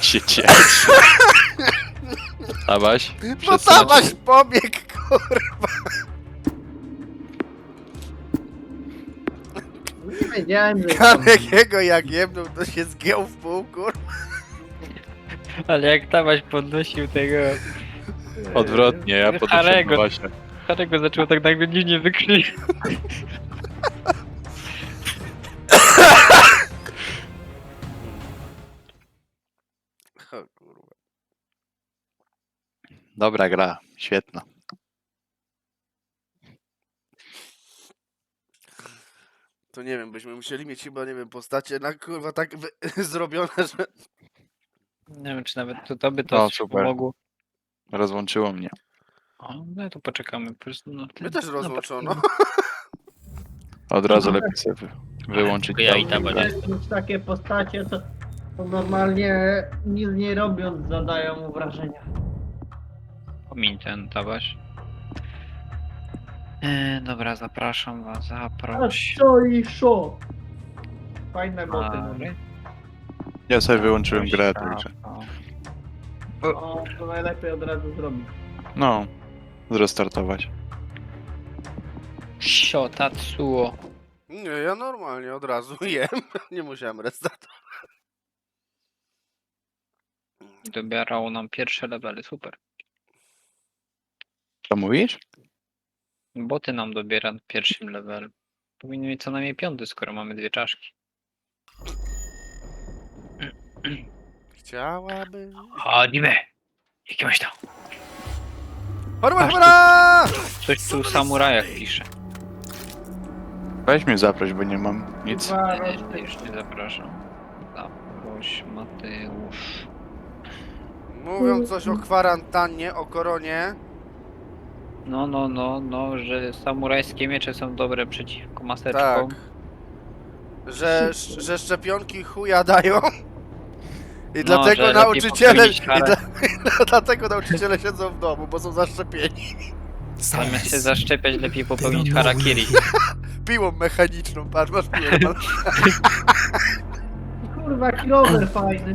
się cieszy. Tabaś? No Tabaś pobiegł, kurwa. Nie wiedziałem, że... Kanek jego jak jebnął, to się zgiął w pół, kurwa. Ale jak Tabaś podnosił tego... Odwrotnie, ja podnoszę Harego. Tabasia. Harego zaczął tak nagle dziwnie wykrzyczeć. O, kurwa. Dobra gra, świetna. To nie wiem, byśmy musieli mieć chyba, nie wiem, postacie na kurwa tak zrobione, że... Nie wiem, czy nawet to by to No, ci super. pomogło. Rozłączyło mnie. O, no to poczekamy. Po prostu, no, My też rozłączono. Od razu lepiej sobie wyłączyć. Ja i tą Tabaś. grę. Już takie postacie, to normalnie nic nie robiąc zadają mu wrażenia. Pomiń ten Tabaś. Dobra, zapraszam was, A zaproś. co i szo? Fajne boty mamy. Mary. Ja sobie wyłączyłem Zaproś, grę, Rafał. także. O, to najlepiej od razu zrobić. No, zrestartować. Sio, Tatsuo. Nie, ja normalnie od razu jem. Nie musiałem restartować. Dobierało nam pierwsze levely, super. Co mówisz? Boty nam dobiera w pierwszym levelu. Powinny mieć co najmniej 5, skoro mamy 2 czaszki. Chciałabym... Chodźmy! Jakiegoś tam. Horma, Masz horma! Coś tu o samurajach pisze. Weź mnie zaproś, bo nie mam nic. Chyba Już nie zapraszam. Zaproś Mateusz. Mówią coś o kwarantannie, o koronie. No, że samurajskie miecze są dobre przeciwko Tak. maseczkom. Że szczepionki chuja dają. I No, dlatego że lepiej nauczyciele... popełnić karę. Dlatego nauczyciele siedzą w domu, bo są zaszczepieni. Zamiast się zaszczepiać, lepiej popełnić harakiri. Piłą mechaniczną, patrz, masz piłę. kurwa kilometr fajny.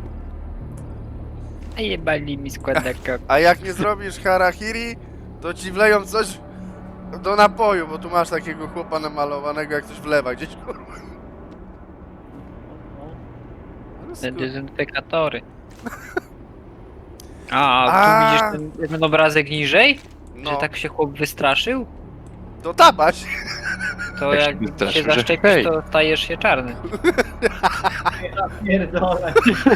A jebali mi składaka. A jak nie zrobisz harakiri, to ci wleją coś do napoju, bo tu masz takiego chłopa namalowanego, jak coś wlewa gdzieś, kurwa. Te dezynfekatory. A tu widzisz ten obrazek niżej? Że No, tak się chłop wystraszył? to Tabaś. To Jak się jak wystraszył, się że zaszczepisz, hej. to stajesz się czarny. Ja pierdolę.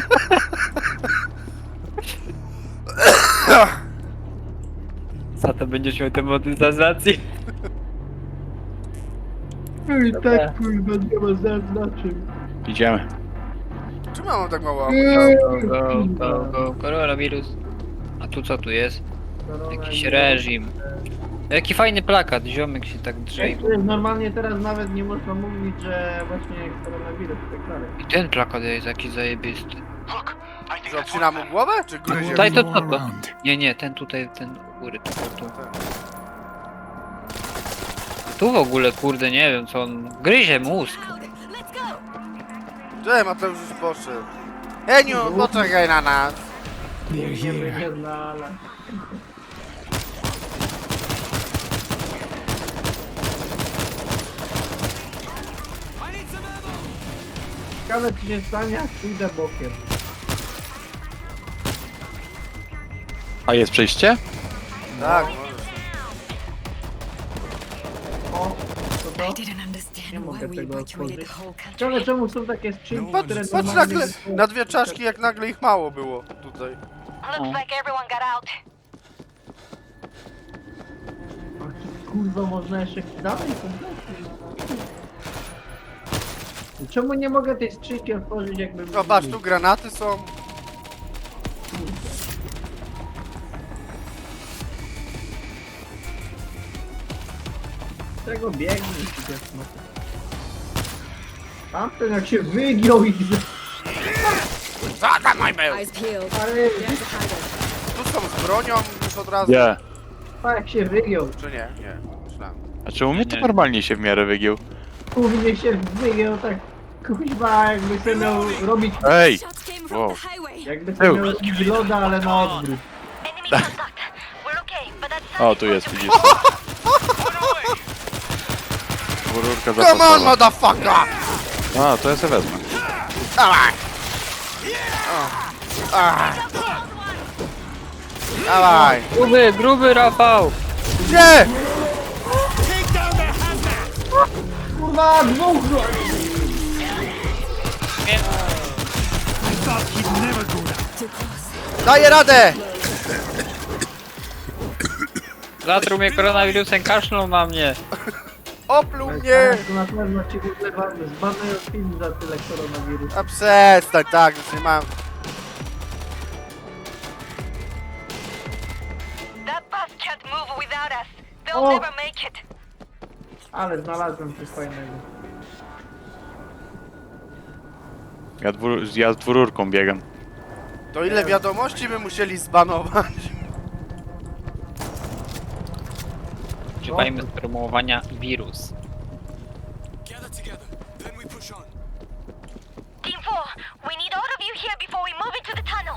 Za to będziesz miał demonetyzację. I tak kurwa nie ma zaznaczeń. Idziemy. Czemu ja mam tak mało Go, koronawirus. A tu co tu jest? Jakiś reżim. Jaki fajny plakat, ziomek się tak drze. Normalnie teraz nawet nie można mówić, że właśnie koronawirus i tak dalej. I ten plakat jest jakiś zajebisty. Że obcina mu głowę, czy gryzie? Tutaj to co to? Nie, ten tutaj, ten u góry, tu. Tu w ogóle, kurde, nie wiem co on... Gryzie mózg. Cześć, Mateusz już poszedł. Heniu, poczekaj na nas. Nie będzie znala. Ciekawe co się stanie, jak pójdę bokiem. A jest przejście? Tak, możesz. O, co to? didn't understand Nie why mogę we tego evacuated otworzyć. the whole country. Ciekawe czemu są takie skrzynki, Patrz, które patrz normalnie... nagle, na 2 czaszki, jak nagle ich mało było tutaj. Looks like everyone got out. Kurwa, można jeszcze dalej? Czemu nie mogę tej skrzynki otworzyć jakbym... No patrz, tu granaty są. Czego biegnie? Tamten jak się wygiął i... Co tam mój był? Eyes peeled. Ale There's a hideout. Tu są z bronią już od razu. Nie. jak się wygiął. Czy nie? Nie. Myślałem. A czy u mnie to Nie. normalnie się w miarę wygiął? Kurwie się wygiął tak... Kuźwa, jakby sobie miał robić... Ej! Shots came Came from the highway. Jakby to Tył. miał jakiś loda, ale na odwrót. Enemy contact. We're okay, but that's O, tu jest, widzisz. Rurka Come on, zapasowa. motherfucker! A, to ja sobie wezmę. Dawaj! Dawaj! Gruby Rafał! Gdzie? Kurwa, dwóch! Daję radę! Zatruł mnie koronawirusem, kaszlą na mnie. Opluł mnie! To na pewno ci zbanują film za tyle koronawirusa. A przestań, tak, już nie mam. That bus can't move without us. They'll Oh. never make it. Ale znalazłem coś fajnego. Ja z dwururką biegam. To ile wiadomości by musieli zbanować? Używajmy sformułowania wirus. Team 4, we need all of you here before we move into the tunnel.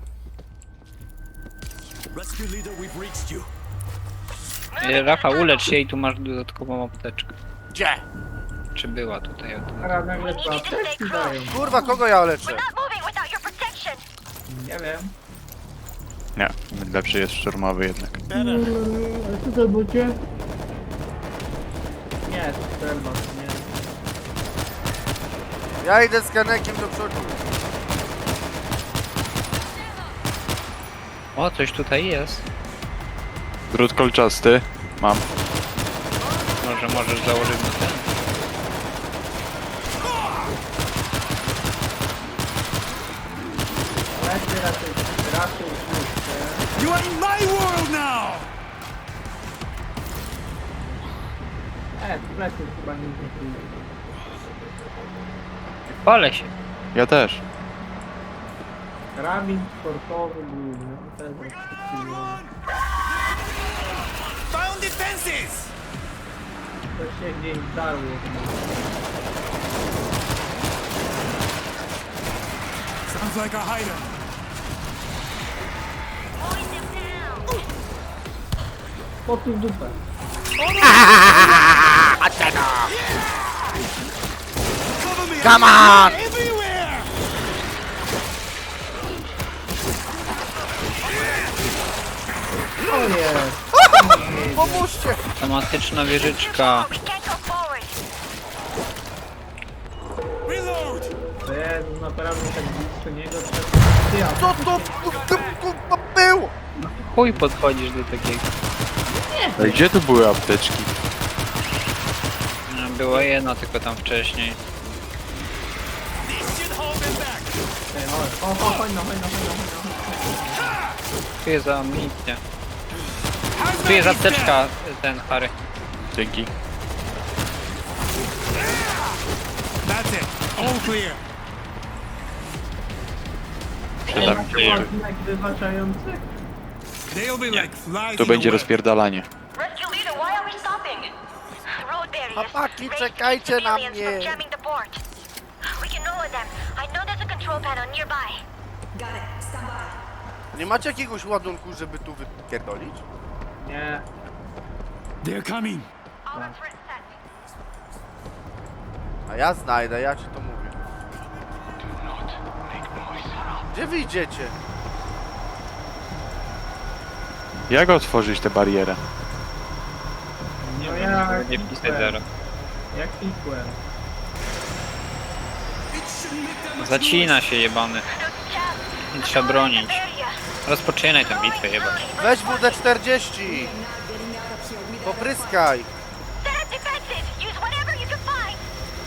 Rescue leader, we've reached you. Rafał, ulecz się i tu masz dodatkową apteczkę. Gdzie? Czy była tutaj? Teraz nagle to apteczki dają. Kurwa, kogo ja leczę? We're not moving without your protection. Nie wiem. Nie, lepszy jest szturmowy jednak. A co to bucie? Nie, strzelba, nie. Ja idę z kanekiem do przodu. O, coś tutaj jest. Drut kolczasty. Mam. Może możesz założyć na ten. Raczej puszczę. You are in my world now! W plecy chyba nie zrobiłem. Palę się. Ja też. Karabin sportowy główny. To jest rozpoczynany. Found defenses! To się gdzieś zdarło. Sounds like a hider. Mowing them down. Po tu w dupę. Cover me! Come on! Everywhere! O jest! Pomóżcie! Automatyczna wieżyczka. We can't go forward. Reload! To jest naprawdę tak blisko niego trzeba... Ty, a Co to kurwa było? Chuj podchodzisz do takiego. A gdzie tu były apteczki? No, była jedna tylko tam wcześniej. This should hold them back! chodź no. Tu jest amunicja. How's Tu jest that apteczka, ten Harry. Dzięki. That's it. All clear. Przydam się. Ładunek wybaczający? They'll be like flies Tu in będzie a web. rozpierdalanie. Rescue leader, why are we stopping? Road barriers. Chłopaki, Raised czekajcie against na civilians from mnie. jamming the port. We can lower them. I know there's a control panel nearby. Nie macie jakiegoś ładunku, żeby tu wypierdolić? Nie. They're coming. All our threats set. A ja znajdę, ja ci to mówię. Gdzie wy idziecie? Jak otworzyć tę barierę? Nie No wiem, ja nie wpisać zero. Jak klikłem. Zacina się jebany. Nie trzeba bronić. Area. Rozpoczynaj tę bitwę jebać. Weź WD-40! Popryskaj! Set up defenses. Use whatever you can find.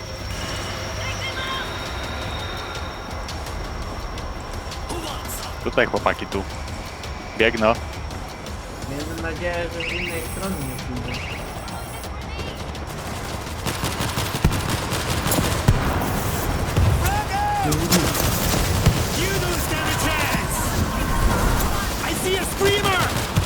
Tutaj chłopaki, tu. Biegno. Miejmy nadzieję, że z innej strony nie pójdzie. You don't stand a chance! I see a screamer!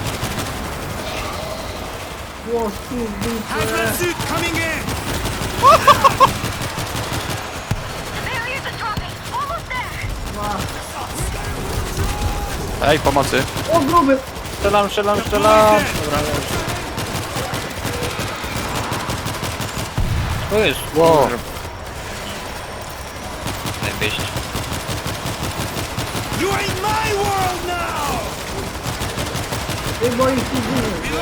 Łosu w dupę! Hazmat suit coming in! The barriers are dropping. Almost there. Ła, Ej, pomocy. O, gruby! Strzelam. Dobra, leży. To jest. Wow. Najpierw. You are in my world now! Ty boisz się dziwy.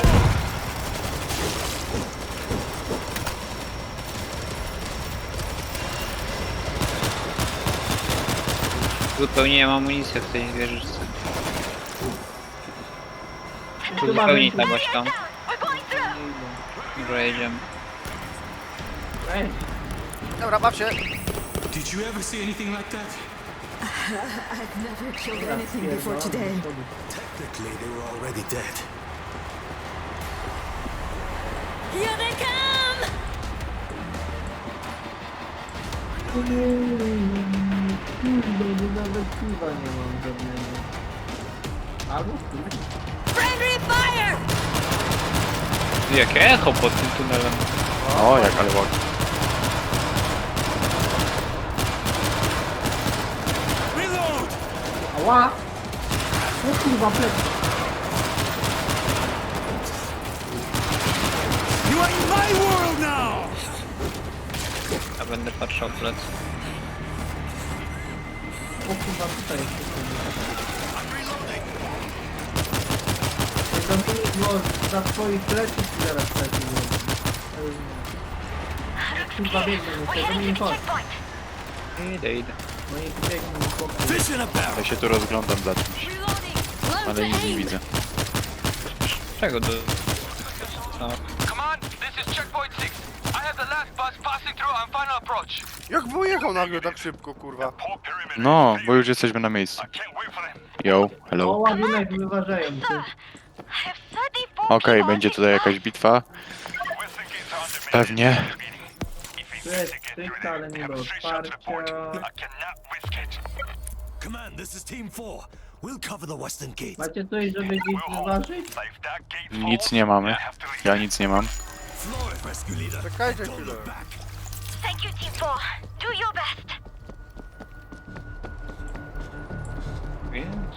Wypełniłem amunicję w tej wieżyczce. Tu Chyba wypełnić będzie- na baśką. We're going through! Dobra, jedziemy. Ej, Dobra, baw się. Did you ever see anything like that? I've never killed anything before today. Technically, they were already dead. Here they come! kurde, nawet piwa nie mam żadnego. Albo kurde. Friendly fire! Jakie echo pod tym tunelem. O, jak ale ładnie. Reload! Ała! O kurwa, plec. You are in my world now! Ja będę patrzał w plec. O kurwa, tutaj jest. Zamknij go za twoich pleców i zaraz taki kurwa, biegnę, We muszę, to heading nie to the chodź. checkpoint. Idę. No i biegną chłopcy. Fish in a barrel! Ja się tu rozglądam za czymś, Reloading. ale nic nie widzę. Czego do... Co? Command, this is checkpoint 6. I have the last bus passing through on final approach. Jak wyjechał nagle tak szybko, kurwa? No, bo już jesteśmy na miejscu. Yo, O, hello. ładunek wyważają ty. I have 34 Okej, people będzie on tutaj this jakaś bitwa. Pewnie. Tu jest stricte, ale nie do otwarcia. Command, this is Team 4. We'll cover the western gate. Macie coś, żeby gdzieś wyważyć? Nic nie mamy. Ja nic nie mam. Flores, rescue leader. Czekajcie Don't chwilę. look back. Thank you, Team 4. Do your best. Więc...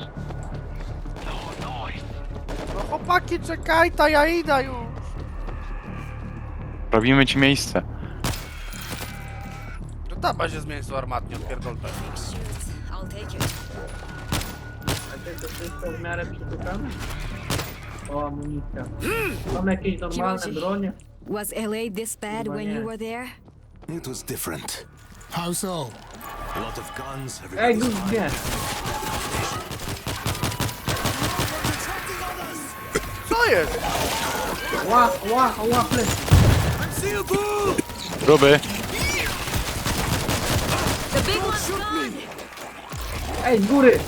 No chłopaki, czekaj, ta ja idę już. Robimy ci miejsce. To daba się z mięso armatnie, odpierdol to. I'll take it. Macie to wszystko w miarę przytykane? O, amunicja. Mam jakieś normalne Kimachi. bronie? Was LA this bad Chyba when nie. you were there? It was different. How so? A lot of guns, Ej, everybody's guz nie! Co jest? Ła, plec. Seal bull! Gruby. The big one's gone. Ej, z góry!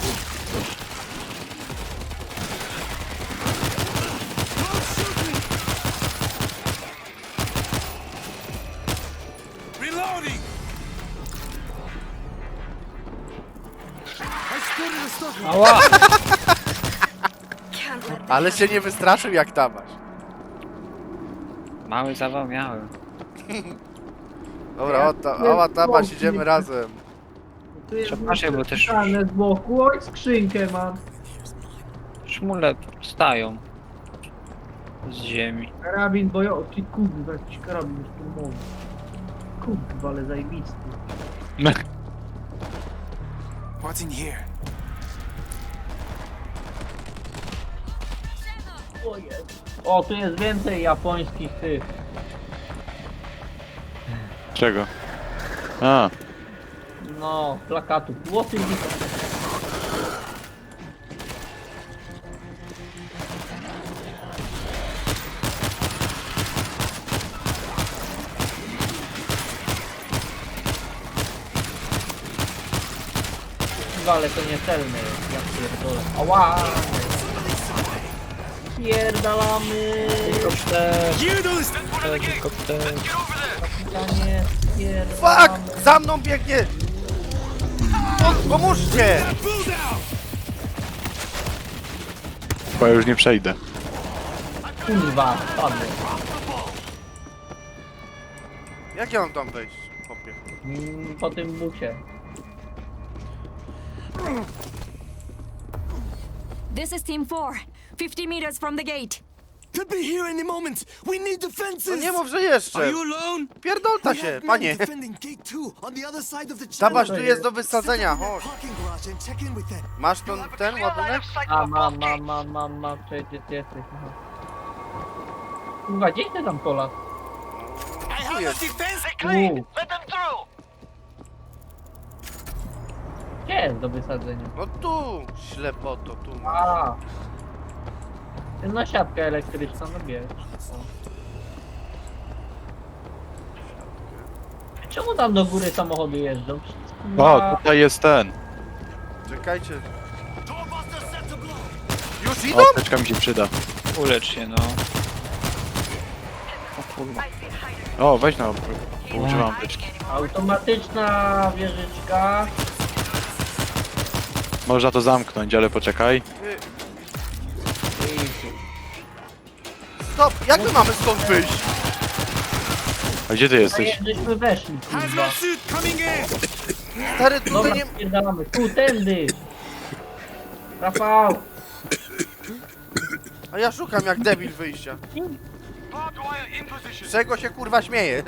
Reloading! I spotted a stock. Ała! Can't let Ale się nie wystraszył jak tabaś. Mały zawał miałem. Dobra, oła tabaś, idziemy razem. Tu jest Przepraszam, bo też- przytykane z boku. Oj, skrzynkę mam. Szmule stają. Z ziemi. Karabin bojowy. Ty kurwa, jakiś karabin szturmowy. Kurwa, ale zajebisty. What's in here? O, tu jest więcej japońskich tych. Czego? A, No, plakatów. Łoty ale to niecelne jest, ja pierdolę. Ała! Pierdalamy! Helikopter! You do this! Helikopter! Kapitanie, pierdalamy! Fuck! Za mną biegnie! Pomóżcie! Bull down! bo ja już nie przejdę. Kurwa, padłem. Jak ja mam tam wejść, chłopie? Po tym bucie. This is Team 4. 50 meters from the gate. Could be here any moment. We need No defenses. nie mów, że Are jeszcze. you alone? Pierdolta We się, have men panie. defending gate 2 on the other side of the Zobacz, channel. tu jest do wysadzenia, chodź. Parking garage and check in with them. Masz ten ładunek? A, mam, przecież ty jesteś. Aha. Kurwa, gdzie ty tam Polak? I have a jest. defense. Uuu, Let them through! gdzie jest do wysadzenia? No tu, ślepoto, tu. A. No siatkę elektryczną, no bierz. O. Czemu tam do góry samochody jeżdżą? Przecież, O, kurwa, tutaj jest ten. Czekajcie. Doorbuster set to blow. Już O, idą? teczka mi się przyda. Ulecz się, no. O, weź no, poużywam teczki. Automatyczna wieżyczka. Można to zamknąć, ale poczekaj. Stop, jak my mamy stąd wyjść? A gdzie ty A jesteś? żeśmy weszli, kurwa. Hazmat suit coming in. Stary, tutaj Dobra, nie... spierdalamy. Tu, tędy. Rafał. A ja szukam jak debil wyjścia. Barbed wire in position. Z czego się kurwa śmiejesz?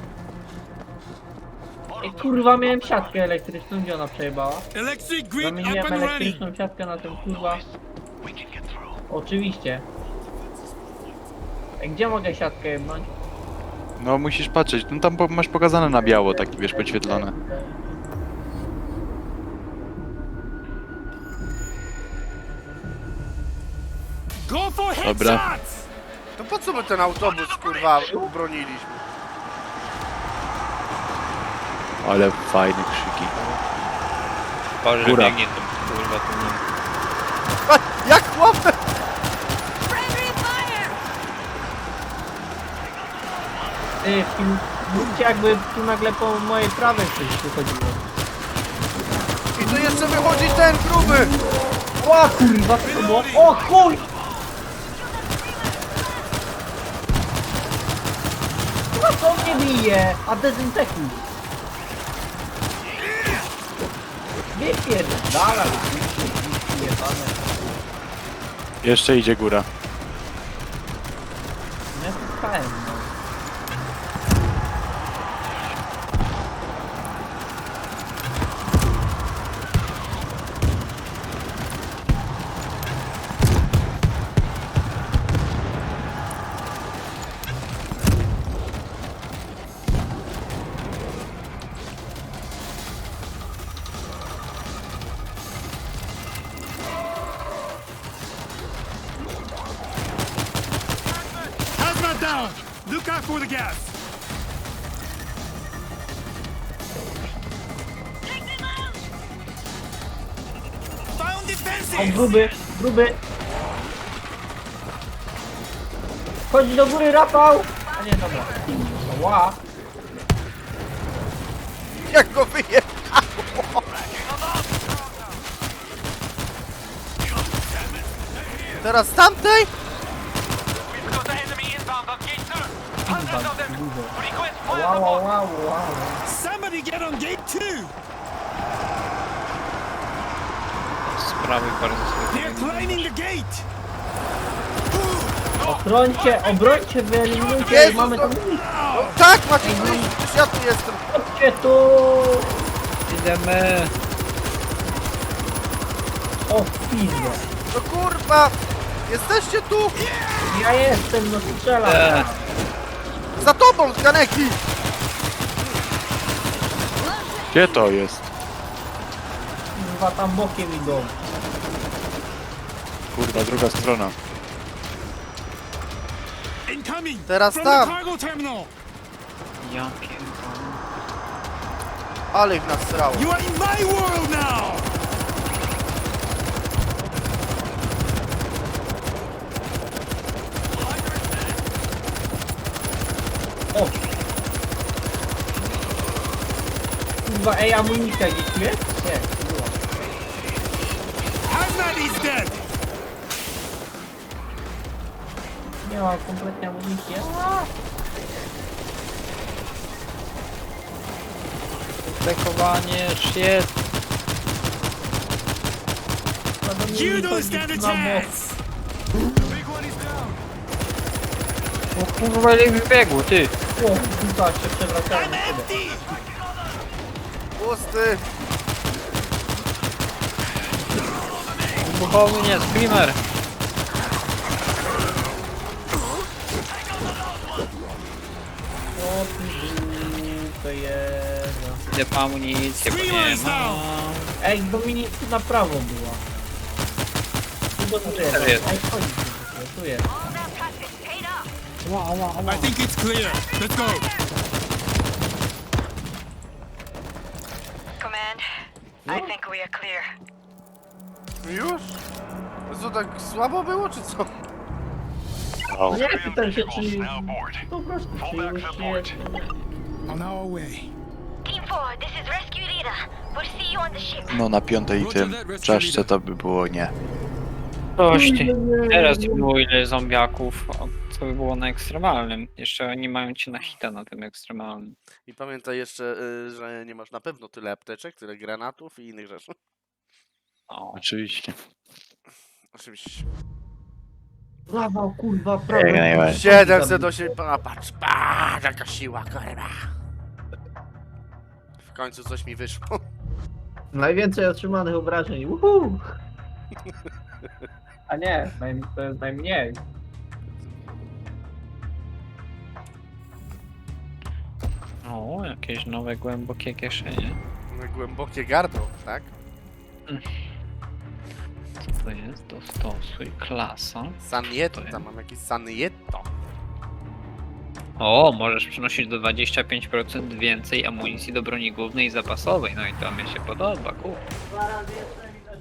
Ej, kurwa, miałem siatkę elektryczną, gdzie ona przejebała? Electric grid up Zamieniłem and running. elektryczną siatkę na ten kurwa. We can get through. Oczywiście. Ej, gdzie mogę siatkę jebnąć? No musisz patrzeć, no tam masz pokazane na biało, takie wiesz, podświetlone. Go for Dobra. headshots. To po co my ten autobus kurwa broniliśmy? Ale fajne krzyki. Boże, Góra. biegnie tu, kurwa, tu nie. A, jak chłopę! Friendly fire! Ty, w tym mówcie jakby tu nagle po mojej prawej coś wychodziło. I tu jeszcze wychodzi ten gruby! O kurwa, co to było? O chuj! Kurwa, co mnie bije? A dezynfekuj. Wypierdala, jebane. Jeszcze idzie góra. Ja słuchałem, no. Hazmat down. Look out for the gas. Found O, defenses. gruby. Chodź do góry, Rafał! A nie, dobra. Ła. Jak go wyje! Teraz z tamtej? We've got the enemy inbound on gate 2. Hundreds of them. Request fire Wow, support. wow, wow. Somebody get on gate 2. Z prawej bardzo They're sobie. climbing the gate. Obrońcie, wyeliminujcie, Jezus, mamy tam... No tak, macie wyjść, przecież ja tu jestem. Chodźcie tu! Idziemy. O, pizdo. No kurwa! Jesteście tu! Ja jestem, no strzelam. Za tobą, z Kaneki! Gdzie to jest? Kurwa, tam bokiem idą. Kurwa, druga strona. Incoming. Teraz From tam. the cargo terminal. Ja pierdolę. Ale ich nasrało. You are in my world now. O! Kurwa, ej, amunicja gdzieś tu jest? Nie, była. Hazmat is dead. Nie mam kompletnie amunicji. Dekowanie, shit. No do You don't stand a chance! O kurwa, ile wybiegło, ty! O, kurwa, się przewracają na siebie. Empty! Pusty! Wybuchowy nie, screamer! O, to jest... Idę po amunicję, bo nie ma. Ej, Dominik, tu na prawo była. Tu do tyłu. Teraz jest. Ej, chodź tu jest. All that practice paid off. Ła, ła, ła. I think it's clear. Let's go. Command, I think we are clear. Już? Co, tak słabo było, czy co? No nie, pytam się, czy... Po prostu, czy już się... On our way. Team 4, this is Rescue Leader. We'll see you on the ship. No na piątej tym czaszce to by było nie. Coś ty. Teraz nie było ile zombiaków, co by było na ekstremalnym. Jeszcze oni mają cię na hita na tym ekstremalnym. I pamiętaj jeszcze, że nie masz na pewno tyle apteczek, tyle granatów i innych rzeczy. O, Oczywiście. Oczywiście. Brawo, kurwa, prawo. Jak najbardziej. 708, patrz, jaka siła, kurwa. W końcu coś mi wyszło. Najwięcej otrzymanych obrażeń. Uhu! A nie, to jest najmniej. o, jakieś nowe głębokie kieszenie. Głębokie gardło, tak? Co to jest? Dostosuj, klasa. Sanietto, tam mam jakieś Sanietto. O, możesz przynosić do 25% więcej amunicji do broni głównej i zapasowej. No i to mi się podoba, kur. 2 razy jeszcze mi